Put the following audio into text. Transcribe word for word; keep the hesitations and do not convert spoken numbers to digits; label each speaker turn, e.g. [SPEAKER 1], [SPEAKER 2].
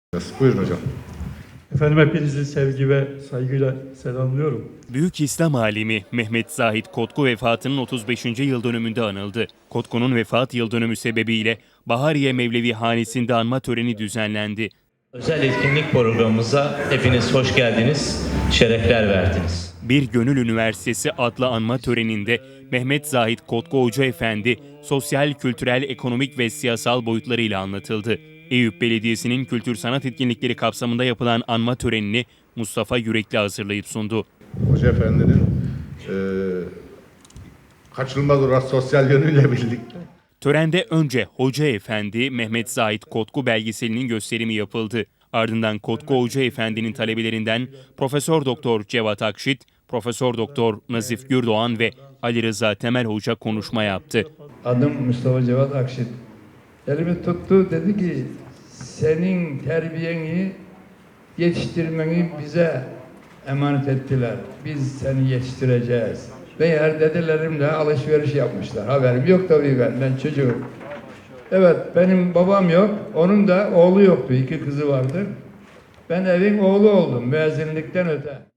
[SPEAKER 1] Buyurun hocam.
[SPEAKER 2] Efendim hepinizi sevgi ve saygıyla selamlıyorum.
[SPEAKER 3] Büyük İslam alimi Mehmet Zahit Kotku vefatının otuz beşinci yıl dönümünde anıldı. Kotku'nun vefat yıl dönümü sebebiyle Bahariye Mevlevi Hanesi'nde anma töreni düzenlendi.
[SPEAKER 4] Özel etkinlik programımıza hepiniz hoş geldiniz, şerefler verdiniz.
[SPEAKER 3] Bir Gönül Üniversitesi adlı anma töreninde Mehmet Zahit Kotku Hoca Efendi sosyal, kültürel, ekonomik ve siyasal boyutlarıyla anlatıldı. Eyüp Belediyesi'nin kültür sanat etkinlikleri kapsamında yapılan anma törenini Mustafa Yürekli hazırlayıp sundu.
[SPEAKER 1] Hoca Efendi'nin e, kaçınılmaz olarak sosyal yönüyle birlikte.
[SPEAKER 3] Törende önce Hoca Efendi Mehmet Zahit Kotku belgeselinin gösterimi yapıldı. Ardından Kotku Hoca Efendi'nin talebelerinden Profesör Doktor Cevat Akşit, Profesör Doktor Nazif Gürdoğan ve Ali Rıza Temel Hoca konuşma yaptı.
[SPEAKER 5] Adım Mustafa Cevat Akşit. Elimi tuttu, dedi ki senin terbiyeni, yetiştirmeni bize emanet ettiler. Biz seni yetiştireceğiz. Ve her dedelerimle alışveriş yapmışlar. Haberim yok tabii ben, ben çocuğum. Evet, benim babam yok, onun da oğlu yoktu, iki kızı vardı. Ben evin oğlu oldum, müezzinlikten öte.